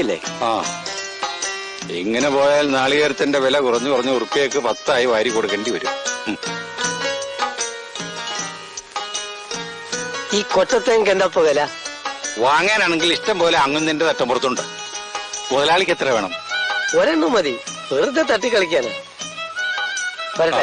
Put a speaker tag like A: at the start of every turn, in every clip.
A: അല്ലേ?
B: ആ, ഇങ്ങനെ പോയാൽ നാളികേരത്തിന്റെ വില കുറഞ്ഞു കുറഞ്ഞ് ഉറുപ്പിയക്ക് 10 വാരി കൊടുക്കേണ്ടി വരും.
C: ഈ കൊച്ചത്തേക്ക് എന്താ ഇപ്പൊ വില?
B: വാങ്ങാനാണെങ്കിൽ ഇഷ്ടം പോലെ അങ്ങുന്നതിന്റെ തട്ടമ്പുറത്തുണ്ട്. മുതലാളിക്ക് എത്ര വേണം?
C: ഒരെണ്ണം മതി, വെറുതെ തട്ടിക്കളിക്കാന്. വരട്ടെ.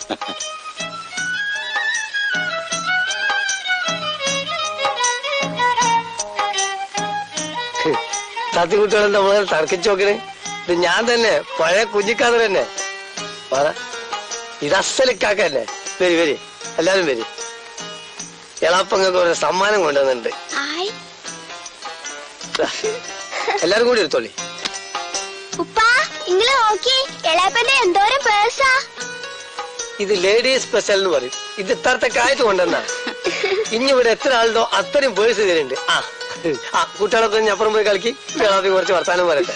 C: തത്തിക്കുട്ടികളെന്താ മുതൽ തർക്കിച്ചു നോക്കണേ? ഇത് ഞാൻ തന്നെ, പഴയ കുഞ്ഞിക്കാതർ തന്നെ. പറ, ഇത് അസലിക്കാക്കല്ലേ? വരി വരി, എല്ലാരും വരി. എളാപ്പങ്ങൾക്ക് ഒരു സമ്മാനം കൊണ്ടുവന്നിട്ടുണ്ട്. എല്ലാരും കൂടി എടുത്തോളി. ഇത് ലേഡീസ് സ്പെഷ്യൽ എന്ന് പറയും. ഇത് ഇത്രത്തെ കായത്ത് കൊണ്ടുവന്നാ. ഇനി ഇവിടെ എത്ര ആളുണ്ടോ അത്രയും പേഴ്സ് ഇതിലുണ്ട്. ആ കുട്ടികളൊക്കെ അപ്പുറം പോയി കളിക്ക്. എളാപ്പി കുറച്ച് വർത്താനം പറയട്ടെ.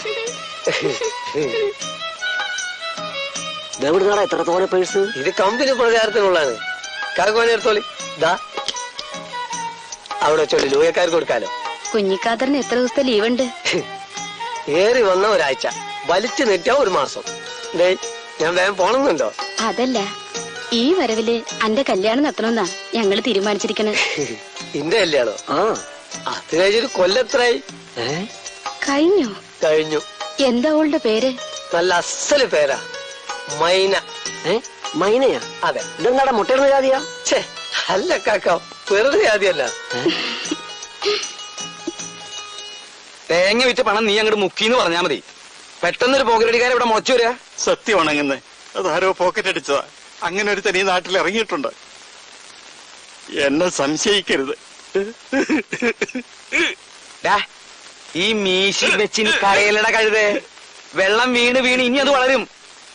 A: എത്ര തോനെ പേഴ്സ്?
C: ഇത് കമ്പനി പ്രചാരത്തിനുള്ളതാണ്. കാക്കോനെ എടുത്തോളി. ഇതാ അവിടെ വെച്ചോളി, ലൂയക്കാർക്ക് കൊടുക്കാലോ.
D: കുഞ്ഞിക്കാതറിന് എത്ര ദിവസത്തെ ലീവ് ഉണ്ട്?
C: ഏറി വന്ന ഒരാഴ്ച, വലിച്ചു നീട്ടിയ 1 മാസം. ഞാൻ വേഗം പോണമെന്നുണ്ടോ?
D: അതല്ല, ഈ വരവില് അന്റെ കല്യാണം നടത്തണമെന്നാ ഞങ്ങള് തീരുമാനിച്ചിരിക്കണേ.
C: ഇന്റെ കല്യാണോ? അത് കഴിഞ്ഞൊരു കൊല്ലത്രായി.
D: കഴിഞ്ഞു?
C: കഴിഞ്ഞു.
D: എന്താ അവളുടെ പേര്?
C: നല്ല അസല് പേരാ, മൈന.
A: മൈനയാ?
C: അതെ.
A: ഇതെന്താടാ മുട്ടയിടുന്ന ജാതിയാ?
C: ഛേ, അല്ല കാക്ക, വെറുതെ ജാതിയല്ല.
E: തേങ്ങ വിറ്റ് പണം നീ അങ്ങോട്ട് മുക്കിന്ന് പറഞ്ഞാ മതി. പെട്ടെന്നൊരു പോക്കറ്റടിക്കാരെ ഇവിടെ മുളച്ചു വരിക.
B: സത്യം ഉണങ്ങുന്നേ, അതാരോ പോക്കറ്റ് അടിച്ചതാ. അങ്ങനെ ഒരു തനി നാട്ടിൽ ഇറങ്ങിയിട്ടുണ്ട്. എന്നെ സംശയിക്കരുത്.
E: ഈ മീശി വെച്ചിന് കരയിലട കഴുതേ. വെള്ളം വീണ് വീണ് ഇനി അത് വളരും.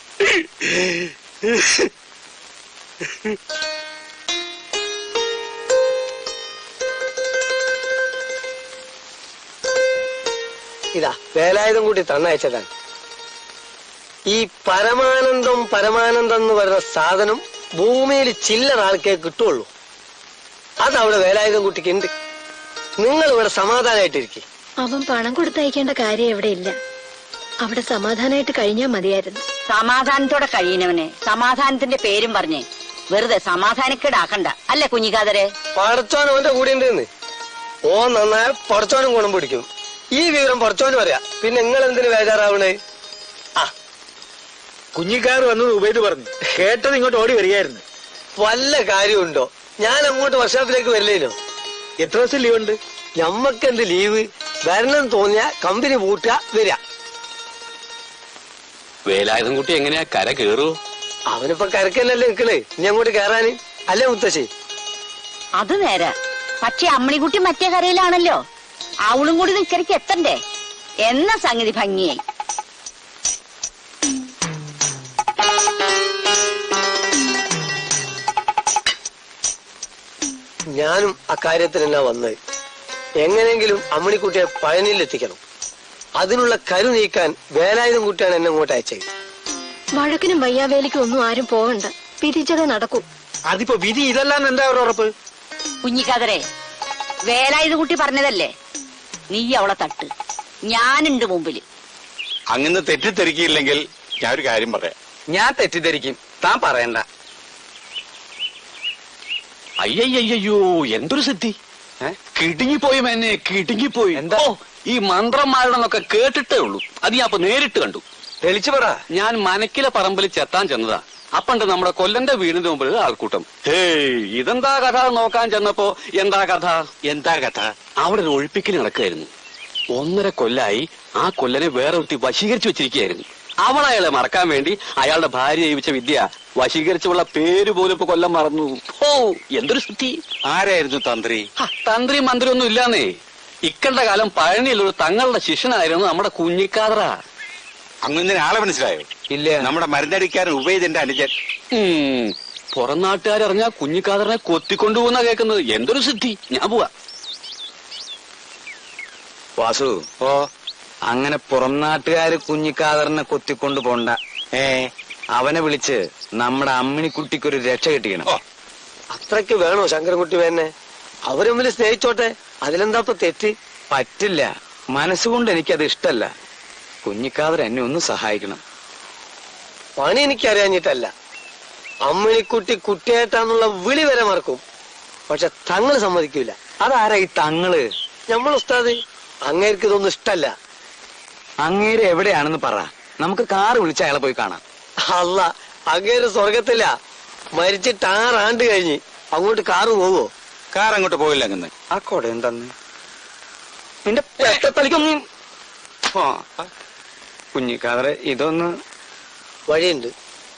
C: ഇതാ വേലായുധം കൂട്ടി തന്നയച്ചതാണ്. ഈ പരമാനന്ദം പരമാനന്ദം എന്ന് പറയുന്ന സാധനം ഭൂമിയിൽ ചില്ലറ ആൾക്കേ കിട്ടുള്ളൂ. അതവിടെ വേലായുധം കുട്ടിക്ക് ഉണ്ട്. നിങ്ങൾ ഇവിടെ സമാധാനമായിട്ടിരിക്കും.
D: അവൻ പണം കൊടുത്തയക്കേണ്ട കാര്യം എവിടെ ഇല്ല. അവിടെ സമാധാനമായിട്ട് കഴിഞ്ഞാൽ മതിയായിരുന്നു.
F: സമാധാനത്തോടെ കഴിയുന്നവനെ സമാധാനത്തിന്റെ പേരും പറഞ്ഞേ വെറുതെ സമാധാനക്കേടാക്കണ്ട. അല്ലേ കുഞ്ഞിക്കാതരെ?
C: പടച്ചോൻ അവന്റെ കൂടെ ഉണ്ടെന്ന്. ഓ നന്നായ പടച്ചോനും ഗുണം പിടിക്കും. ഈ വിവരം പടച്ചോന് പറയാ. പിന്നെ നിങ്ങൾ എന്തിനു ബേജാറാവണേ?
E: കുഞ്ഞിക്കാർ വന്നത് ഉപയോഗിച്ച് പറഞ്ഞു കേട്ടത് ഇങ്ങോട്ട് ഓടി വരികയായിരുന്നു.
C: വല്ല കാര്യമുണ്ടോ? ഞാൻ അങ്ങോട്ട് വർക്ക്ഷോപ്പിലേക്ക് വരില്ലേനോ?
E: എത്ര ദിവസം ലീവ് ഉണ്ട്?
C: ഞമ്മക്കെന്ത് ലീവ്? വരണം തോന്നിയ കമ്പനി പൂട്ടുക, വരിക.
G: വേലായുധം കുട്ടി എങ്ങനെയാ കര കേറൂ?
C: അവനിപ്പോ കരക്കന്നല്ലേ നിക്കണേ, ഇനി അങ്ങോട്ട് കേറാന്. അല്ലേ മുത്തശ്ശി?
F: അത് നേരെ. പക്ഷെ അമ്മണിക്കുട്ടി മറ്റേ കരയിലാണല്ലോ. അവളും കൂടി നിക്കരയ്ക്ക് എത്തണ്ടേ എന്ന സംഗതി ഭംഗിയായി.
C: ഞാനും അക്കാര്യത്തിനെല്ലാം വന്നത്. എങ്ങനെങ്കിലും അമ്മണിക്കുട്ടിയെ പഴനിയിലെത്തിക്കണം. അതിനുള്ള കരു നീക്കാൻ വേലായുധം കുട്ടിയാണ് എന്നെ ഇങ്ങോട്ട് അയച്ചത്.
D: വഴക്കിനും വയ്യാവേലിക്കും ഒന്നും ആരും പോകണ്ട, പിരിച്ചതേ നടക്കൂ.
E: അതിപ്പോ വിധി ഇതല്ലാന്ന് എന്താ ഒരു ഉറപ്പ്?
F: കുഞ്ഞിക്കാതരെ, വേലായുധ കുട്ടി പറഞ്ഞതല്ലേ, നീ അവളെ തട്ട്, ഞാനുണ്ട് മുമ്പില്.
B: അങ്ങനെ തെറ്റിദ്ധരിക്കില്ലെങ്കിൽ ഞാൻ ഒരു കാര്യം പറയാം.
E: ഞാൻ തെറ്റിദ്ധരിക്കും, താൻ പറയണ്ട.
G: അയ്യയ്യോ, എന്തൊരു സിദ്ധി! കിടുങ്ങിപ്പോയി എന്നെ, കിടുങ്ങിപ്പോയി.
E: എന്താ?
G: ഈ മന്ത്രന്മാരുടെന്നൊക്കെ കേട്ടിട്ടേ ഉള്ളൂ. അത് ഞാൻ അപ്പൊ നേരിട്ട് കണ്ടു.
E: തെളിച്ചു പറ.
G: ഞാൻ മനക്കിലെ പറമ്പിൽ ചെത്താൻ ചെന്നതാ. അപ്പണ്ട് നമ്മുടെ കൊല്ലന്റെ വീടിന്റെ മുമ്പിൽ ആൾക്കൂട്ടം. ഇതെന്താ കഥ നോക്കാൻ ചെന്നപ്പോ എന്താ കഥ?
B: എന്താ കഥ?
G: അവിടെ ഒരു ഒഴിപ്പിക്കൽ നടക്കുകയായിരുന്നു. 1.5 കൊല്ലായി ആ കൊല്ലനെ വേറെ ഒരുത്തി വശീകരിച്ചു വെച്ചിരിക്കുകയായിരുന്നു. അവളയാളെ മറക്കാൻ വേണ്ടി അയാളുടെ ഭാര്യ ജീവിച്ച വിദ്യ വശീകരിച്ചുള്ള പേര് പോലും ഇപ്പൊ കൊല്ലം മറന്നു. ഓ, എന്തൊരു സ്ഥിതി!
B: ആരായിരുന്നു തന്ത്രി?
G: തന്ത്രി മന്ത്രി ഒന്നും ഇല്ലാന്നേ. ഇക്കണ്ട കാലം പഴനിയിലൊരു തങ്ങളുടെ ശിഷ്യനായിരുന്നു നമ്മുടെ കുഞ്ഞിക്കാതറ.
B: അങ്ങനെ ആളെ മനസ്സിലായോ?
E: ഇല്ല.
B: നമ്മുടെ മരുന്നടിക്കാരൻ ഉപയോഗിച്ചെന്റെ അനുജൻ.
G: പുറം നാട്ടുകാരറിഞ്ഞാ കുഞ്ഞിക്കാതറിനെ കൊത്തിക്കൊണ്ടുപോകുന്ന കേൾക്കുന്നത്. എന്തൊരു സിദ്ധി! ഞാൻ പോവാ.
E: വാസു,
B: ഓ,
E: അങ്ങനെ പുറം നാട്ടുകാര് കുഞ്ഞിക്കാതറിനെ കൊത്തിക്കൊണ്ടു പോണ്ട. അവനെ വിളിച്ച് നമ്മുടെ അമ്മിണിക്കുട്ടിക്കൊരു രക്ഷ കിട്ടിക്കണം.
C: അത്രയ്ക്ക് വേണോ ശങ്കരൻകുട്ടി വേന്നെ? അവര് തമ്മിൽ സ്നേഹിച്ചോട്ടെ, അതിലെന്താ ഇപ്പൊ തെറ്റ്?
E: പറ്റില്ല. മനസ്സുകൊണ്ട് എനിക്കത് ഇഷ്ടല്ല. കുഞ്ഞിക്കാതർ എന്നെ ഒന്ന് സഹായിക്കണം.
C: പണി എനിക്കറിയാഞ്ഞിട്ടല്ല. അമ്മിണിക്കുട്ടി കുട്ടിയായിട്ടാന്നുള്ള വിളി വരെ മറക്കും. പക്ഷെ തങ്ങള് സമ്മതിക്കൂല.
E: അതാരാ ഈ തങ്ങള്?
C: നമ്മൾ ഉസ്താദ്. അങ്ങേർക്ക് ഇതൊന്നും ഇഷ്ടല്ല.
E: അങ്ങേര് എവിടെയാണെന്ന് പറ, നമുക്ക് കാറ് വിളിച്ച് അയാളെ പോയി കാണാം.
C: അല്ല, അങ്ങേര് സ്വർഗത്തില്ല. മരിച്ചിട്ട് 6 ആണ്ട് കഴിഞ്ഞ്. അങ്ങോട്ട് കാറ് പോവോ?
E: കാർ അങ്ങോട്ട് പോയില്ല. അങ്ങനെ ആ കൊട എന്താന്ന് നിന്റെ പെട്ടത്തലിക്കൊന്നും. കുഞ്ഞിക്കാതറെ, ഇതൊന്ന്
C: വഴിയുണ്ട്.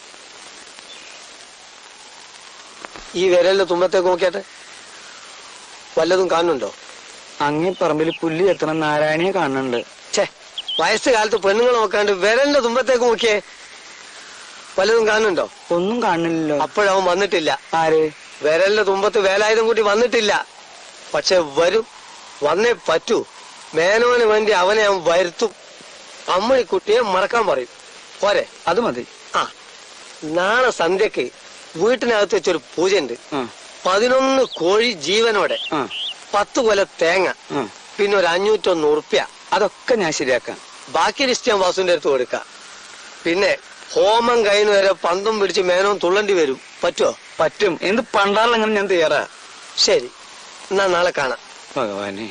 C: ഈ വിരലിന്റെ തുമ്പത്തേക്ക് നോക്കിയാട്ടെ, വല്ലതും കാണുന്നുണ്ടോ?
E: അങ്ങേ പറമ്പിൽ പുല്ല് എത്തണം നാരായണിയെ കാണുന്നുണ്ട്.
C: ഛേ, വയസ്സുകാലത്ത് പെണ്ണുങ്ങൾ നോക്കാണ്ട് വിരലിന്റെ തുമ്പത്തേക്ക് നോക്കിയേ, വല്ലതും കാണുന്നുണ്ടോ?
E: ഒന്നും കാണുന്നില്ലല്ലോ.
C: അപ്പോഴവൻ വന്നിട്ടില്ല.
E: ആര്?
C: വിരലിന്റെ തുമ്പത്ത് വേലായുധം കൂട്ടി വന്നിട്ടില്ല. പക്ഷെ വരും, വന്നേ പറ്റൂ. മേനോന് വേണ്ടി അവനെ അവൻ വരുത്തും. അമ്മിണിക്കുട്ടിയെ മറക്കാൻ പറയും. പോരെ?
E: അത് മതി.
C: ആ, നാളെ സന്ധ്യക്ക് വീട്ടിനകത്ത് വെച്ചൊരു പൂജയുണ്ട്. 11 കോഴി ജീവനോടെ, 10 കൊല തേങ്ങ, പിന്നെ ഒരു 501 ഉറുപ്പ്യ.
E: അതൊക്കെ ഞാൻ ശരിയാക്കാം.
C: ബാക്കി ലിസ്റ്റ് ഞാൻ വാസുവിന്റെ അടുത്ത് കൊടുക്കാം. പിന്നെ ഹോമം കഴിഞ്ഞ് വരെ പന്തും പിടിച്ച് മേനോൻ തുള്ളണ്ടി വരും. പറ്റുമോ?
E: പറ്റും. എന്ത് പണ്ടാറിലങ്ങനെ ഞാൻ തയ്യാറാ.
C: ശരി, എന്നാ നാളെ കാണാം.
E: ഭഗവാനെ,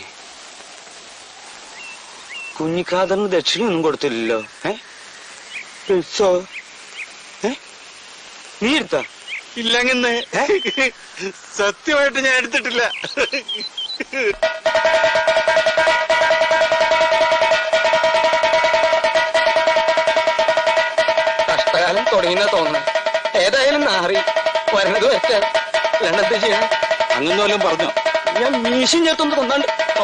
E: കുഞ്ഞിക്കാതറിന് ദക്ഷിണയൊന്നും കൊടുത്തില്ലല്ലോ. നീ എടുത്താ?
B: ഇല്ലങ്ങന്ന് സത്യമായിട്ട് ഞാൻ എടുത്തിട്ടില്ല.
C: കഷ്ടകാലം തുടങ്ങിയെന്നാ തോന്നുന്നു. ഏതായാലും നാറി വരണത് വരട്ടെ. രണ്ടെന്ത് ചെയ്യണം?
G: അങ്ങനെ വല്ലതും പറഞ്ഞോ?
C: ഞാൻ മീശും ചേർത്തൊന്ന് കൊന്നാണ്ട്.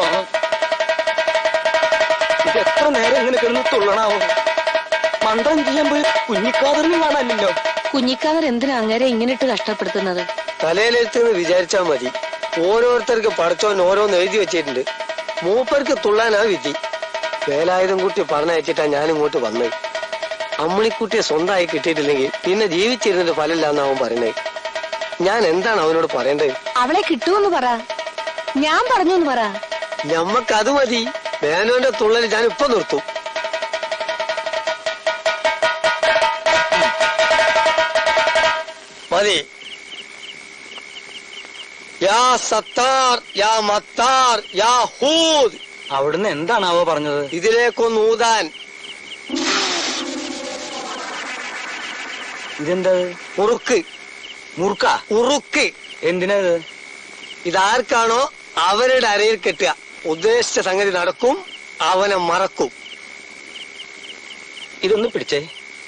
C: ഇത് എത്ര നേരം ഇങ്ങനെ കിടന്ന് തുള്ളണാവോ? മന്ത്രം ചെയ്യാൻ പോയി കുഞ്ഞിക്കാതറിനും കാണാനില്ലല്ലോ.
D: കുഞ്ഞിക്കാതർ എന്തിനാ അങ്ങേരെ ഇങ്ങനെ ഇട്ട് കഷ്ടപ്പെടുത്തുന്നത്?
C: തലയിലെടുത്തെന്ന് വിചാരിച്ചാ മതി. ഓരോരുത്തർക്ക് പഠിച്ചോൻ ഓരോന്ന് എഴുതി വെച്ചിട്ടുണ്ട്. മൂപ്പർക്ക് തുള്ളാനാ വിധി. വേലായുധം കുട്ടി പറഞ്ഞയച്ചിട്ടാ ഞാൻ ഇങ്ങോട്ട് വന്നത്. അമ്മിണിക്കുട്ടിയെ സ്വന്തമായി കിട്ടിയിട്ടില്ലെങ്കിൽ പിന്നെ ജീവിച്ചിരുന്നിട്ട് ഫലമില്ലാന്ന് അവൻ പറയണേ. ഞാൻ എന്താണ് അവനോട് പറയേണ്ടത്?
D: അവളെ കിട്ടുമെന്ന് പറ, ഞാൻ പറഞ്ഞു പറ.
C: ഞമ്മക്കത് മതി. മേനോന്റെ തുള്ളൽ ഞാൻ ഇപ്പൊ നിർത്തും. മതി. യാ സത്താർ, യാ മത്താർ, യാ ഹൂദ്.
E: അവിടുന്ന് എന്താണാവോ പറഞ്ഞത്?
C: ഇതിലേക്കൊന്ന് ഊതാൻ.
E: ഇതെന്താ?
C: ഉറുക്ക്.
E: മുറുക്ക?
C: ഉറുക്ക്.
E: എന്തിനാ ഇത്?
C: ഇതാർക്കാണോ അവരുടെ അരയിൽ കെട്ടുക. ഉദ്ദേശിച്ച സംഗതി നടക്കും, അവനെ മറക്കും.
E: ഇതൊന്ന് പിടിച്ചേ.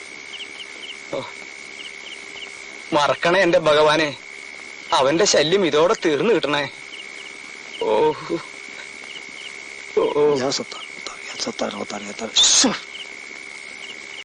E: മറക്കണേ എന്റെ ഭഗവാനെ, അവന്റെ ശല്യം ഇതോടെ തീർന്നു കിട്ടണേ. ഓ
C: യാ സത്താർ, യാ സത്താർ, യാ സത്താർ.